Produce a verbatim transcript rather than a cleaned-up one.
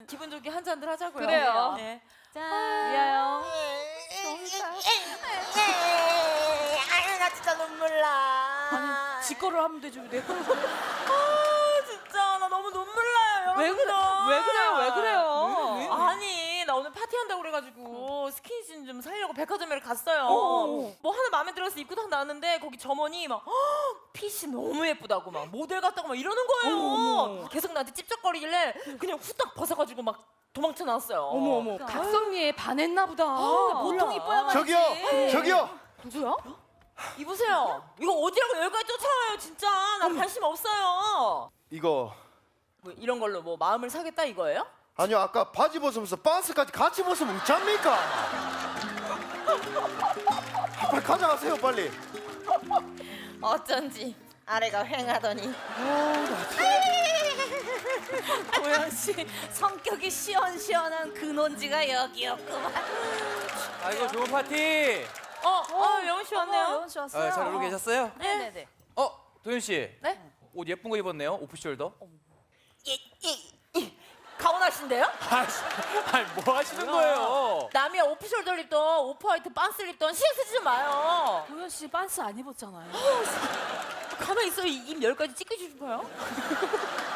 기분 좋게 한 잔들 하자고요. 그래요. 네. 짠. 미아요. 아유 나 진짜 눈물 나. 아니 지거를 하면 되지 내 걸. 아 진짜 나 너무 눈물 나요 여러분. 왜 그래? 왜 그래요? 왜 그래요? 왜, 왜, 왜? 아니 나 오늘 파티한다고 그래가지고 스킨십 좀 사려고 백화점에 갔어요. 어. 뭐 하나 마음에 들어서 입고 딱 나왔는데 거기 점원이 막 "헉, 핏이 너무 예쁘다고 막 모델 같다고 막 이러는 거예요. 어머. 계속 나한테 찝쩍거리길래 그냥 후딱 벗어가지고 막 도망쳐 나왔어요. 어머 어머. 각성미에 반했나 보다. 아, 보통 이뻐야만 저기요, 저기요. 누구야? 이보세요. 이거 어디라고 여기까지 쫓아와요 진짜. 나 관심 없어요. 이거 뭐 이런 걸로 뭐 마음을 사겠다 이거예요? 아니요 아까 바지 벗으면서 반스까지 같이 벗으면 웃잡니까? 빨리 가져가세요 빨리. 어쩐지 아래가 휑하더니. 도현 씨 성격이 시원시원한 근원지가 여기였구만. 아이고 좋은 파티. 어, 어, 영훈 씨 왔네요. 영훈 씨 왔어요. 아, 잘 놀고 계셨어요? 네네네. 어, 도현 씨. 네? 옷 예쁜 거 입었네요. 오프숄더. 이, 이, 이. 가오나신데요? 아이씨, 아니 뭐 하시는 거예요? 남이야 오프숄더 입던 오프화이트 빤스를 입던 신경 쓰지 좀 마요. 도현 씨 반스 안 입었잖아요. 가만히 있어. 입 열까지 찢겨주실 거예요?